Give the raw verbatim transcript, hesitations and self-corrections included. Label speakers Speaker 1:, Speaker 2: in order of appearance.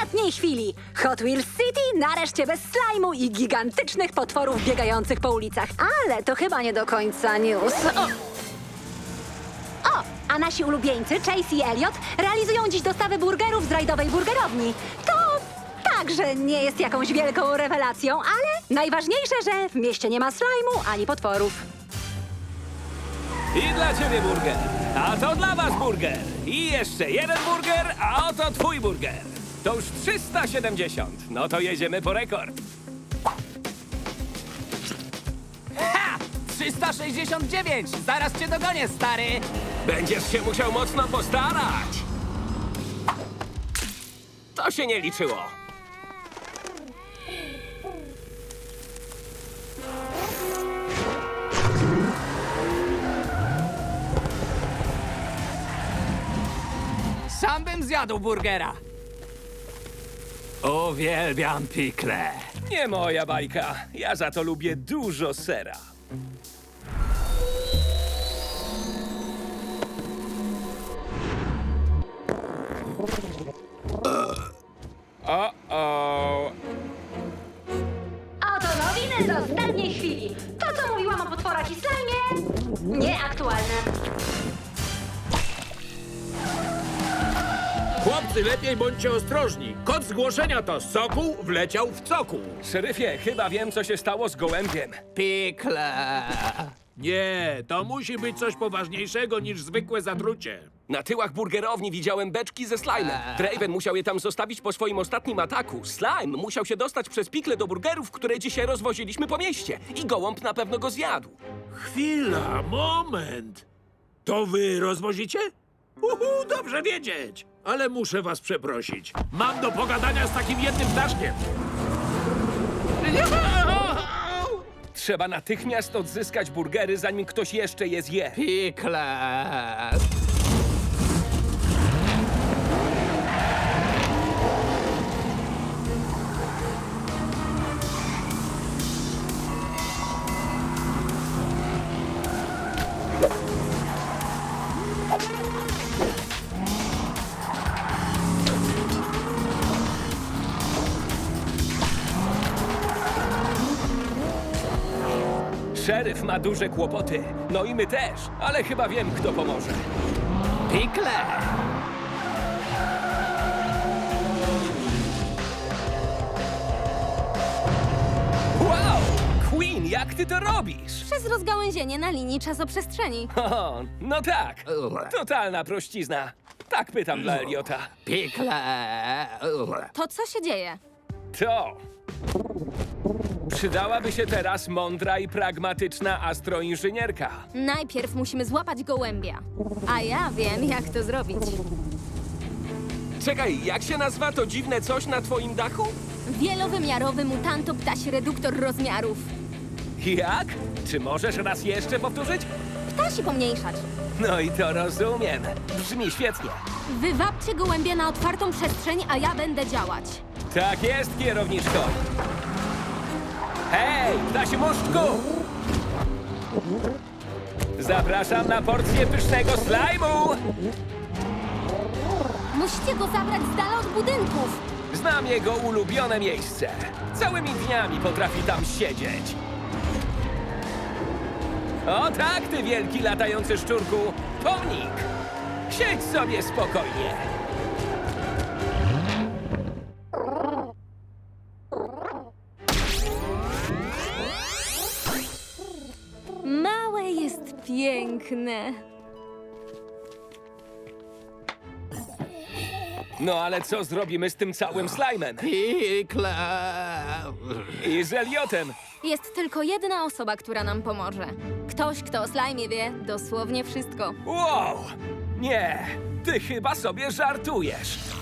Speaker 1: ostatniej chwili! Hot Wheels City nareszcie bez slajmu i gigantycznych potworów biegających po ulicach. Ale to chyba nie do końca news. O! O, a nasi ulubieńcy, Chase i Elliot, realizują dziś dostawy burgerów z rajdowej burgerowni. To także nie jest jakąś wielką rewelacją, ale najważniejsze, że w mieście nie ma slajmu ani potworów.
Speaker 2: I dla ciebie burger, a to dla was burger. I jeszcze jeden burger, a oto twój burger. To już trzysta siedemdziesiąt. No to jedziemy po rekord.
Speaker 3: Ha! trzysta sześćdziesiąt dziewięć! Zaraz cię dogonię, stary!
Speaker 2: Będziesz się musiał mocno postarać. To się nie liczyło.
Speaker 3: Sam bym zjadł burgera.
Speaker 2: Uwielbiam pikle. Nie moja bajka. Ja za to lubię dużo sera. O-o.
Speaker 1: A oto nowiny z ostatniej chwili. To, co mówiłam o potworach i slajmie, nieaktualne.
Speaker 4: Chłopcy, lepiej bądźcie ostrożni. Kod zgłoszenia to Sokół wleciał w cokół.
Speaker 2: Szeryfie, chyba wiem, co się stało z gołębiem.
Speaker 3: Pikle.
Speaker 4: Nie, to musi być coś poważniejszego niż zwykłe zatrucie.
Speaker 2: Na tyłach burgerowni widziałem beczki ze slajmem. Draven musiał je tam zostawić po swoim ostatnim ataku. Slime musiał się dostać przez pikle do burgerów, które dzisiaj rozwoziliśmy po mieście. I gołąb na pewno go zjadł.
Speaker 4: Chwila, moment. To wy rozwozicie? Uhu, dobrze wiedzieć. Ale muszę was przeprosić. Mam do pogadania z takim jednym ptaszkiem.
Speaker 2: Trzeba natychmiast odzyskać burgery, zanim ktoś jeszcze je zje.
Speaker 3: Pikle.
Speaker 2: Szeryf ma duże kłopoty. No i my też. Ale chyba wiem, kto pomoże.
Speaker 3: Pikle.
Speaker 2: Wow! Queen, jak ty to robisz?
Speaker 5: Przez rozgałęzienie na linii czasoprzestrzeni.
Speaker 2: O, no tak. Totalna prościzna. Tak pytam dla Eliota.
Speaker 3: Pikle.
Speaker 5: To co się dzieje?
Speaker 2: To. Przydałaby się teraz mądra i pragmatyczna astroinżynierka.
Speaker 5: Najpierw musimy złapać gołębia. A ja wiem, jak to zrobić.
Speaker 2: Czekaj, jak się nazywa to dziwne coś na twoim dachu?
Speaker 5: Wielowymiarowy mutantoptasi reduktor rozmiarów.
Speaker 2: Jak? Czy możesz raz jeszcze powtórzyć?
Speaker 5: Ptasi pomniejszać.
Speaker 2: No i to rozumiem. Brzmi świetnie.
Speaker 5: Wywabcie gołębia na otwartą przestrzeń, a ja będę działać.
Speaker 2: Tak jest, kierowniczko. Hej, ptasi muszczku! Zapraszam na porcję pysznego slajmu!
Speaker 5: Musicie go zabrać z dala od budynków.
Speaker 2: Znam jego ulubione miejsce. Całymi dniami potrafi tam siedzieć. O tak, ty wielki latający szczurku! Pomnik! Siedź sobie spokojnie.
Speaker 5: Małe jest piękne.
Speaker 2: No ale co zrobimy z tym całym slajmem?
Speaker 3: Pikle.
Speaker 2: I z Eliotem?
Speaker 5: Jest tylko jedna osoba, która nam pomoże. Ktoś, kto o slajmie wie dosłownie wszystko.
Speaker 2: Wow! Nie, ty chyba sobie żartujesz.